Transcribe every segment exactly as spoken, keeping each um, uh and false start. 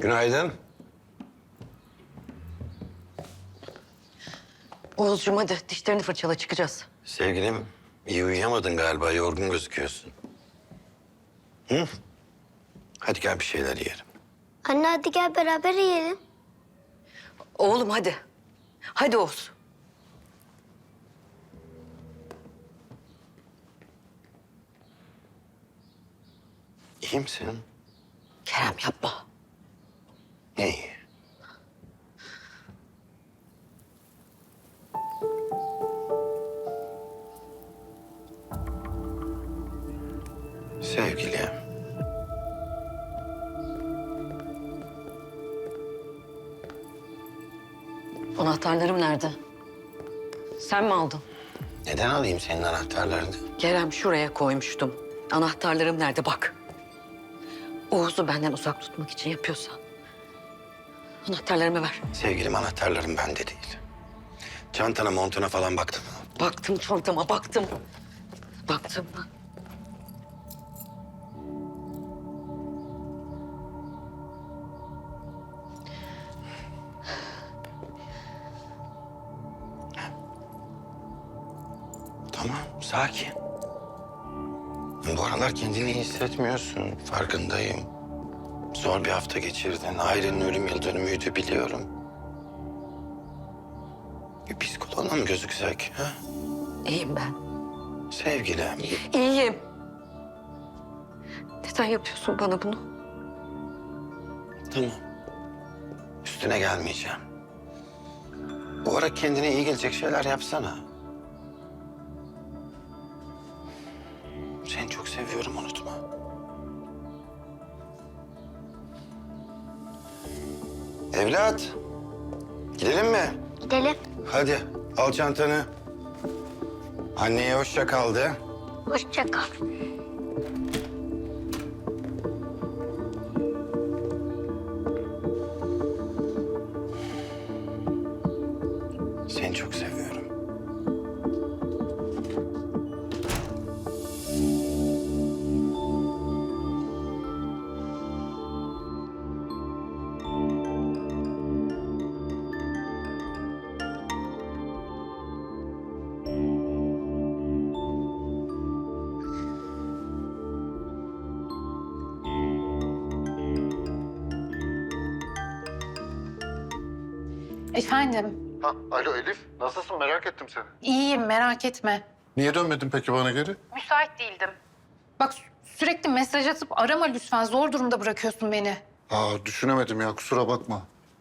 Günaydın. Oğuzcuğum hadi dişlerini fırçala çıkacağız. Sevgilim, iyi uyuyamadın galiba. Yorgun gözüküyorsun. Hı? Hadi gel bir şeyler yiyelim. Anne hadi gel beraber yiyelim. Oğlum hadi. Hadi Oğuz. İyi misin? Kerem yapma. İyi. Sevgilim. Anahtarlarım nerede? Sen mi aldın? Neden alayım senin anahtarlarını? Kerem şuraya koymuştum. Anahtarlarım nerede bak. Oğuz'u benden uzak tutmak için yapıyorsan. Anahtarlarımı ver. Sevgilim, anahtarlarım bende değil. Çantana, montuna falan baktım. Baktım çantama baktım. Baktım. Tamam, sakin. Bu aralar kendini iyi hissetmiyorsun, farkındayım. Zor bir hafta geçirdin. Ailenin ölüm yıl dönümüydü, biliyorum. Bir psikoloğuna mı gözüksek? Ha? İyiyim ben. Sevgilim. İyiyim. Neden yapıyorsun bana bunu? Tamam. Üstüne gelmeyeceğim. Bu ara kendine iyi gelecek şeyler yapsana. Seni çok seviyorum, unutma. Evlat. Gidelim mi? Gidelim. Hadi al çantanı. Anneye hoşça kal de. Hoşça kal. Seni çok seviyorum. Efendim, Ha, alo Elif, nasılsın? Merak ettim seni. iyiyim merak etme. Niye dönmedin peki bana geri? Müsait değildim. Bak sü- sürekli mesaj atıp arama lütfen. Zor durumda bırakıyorsun beni. Aa, düşünemedim ya, kusura bakma.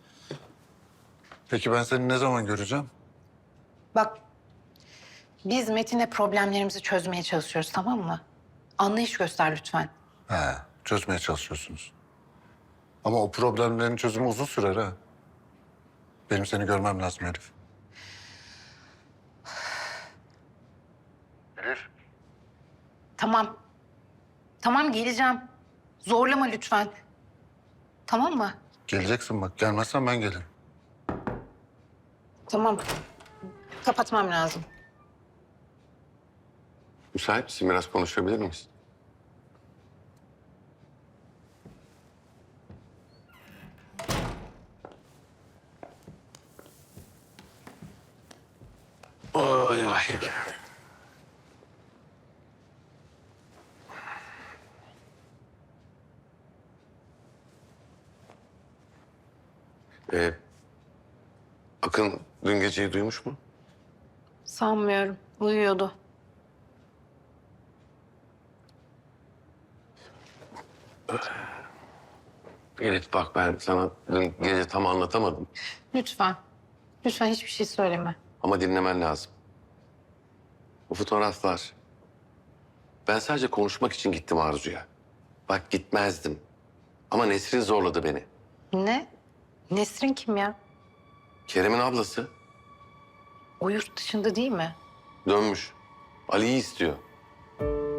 Peki ben seni ne zaman göreceğim? Bak, biz Metin'le problemlerimizi çözmeye çalışıyoruz, tamam mı? Anlayış göster lütfen. He, çözmeye çalışıyorsunuz. Ama o problemlerin çözümü uzun sürer ha. Benim seni görmem lazım Elif. Elif. Tamam. Tamam geleceğim. Zorlama lütfen. Tamam mı? Geleceksin bak, gelmezsen ben gelirim. Tamam. Kapatmam lazım. Müsait misin? Biraz konuşabilir miyiz? Oy ay. Ee, Akın dün geceyi duymuş mu? Sanmıyorum. Uyuyordu. Elif bak, ben sana dün gece tam anlatamadım. Lütfen. Lütfen hiçbir şey söyleme. Ama dinlemen lazım. O fotoğraflar. Ben sadece konuşmak için gittim Arzu'ya. Bak gitmezdim. Ama Nesrin zorladı beni. Ne? Nesrin kim ya? Kerem'in ablası O yurt dışında değil mi? dönmüş. Ali'yi istiyor.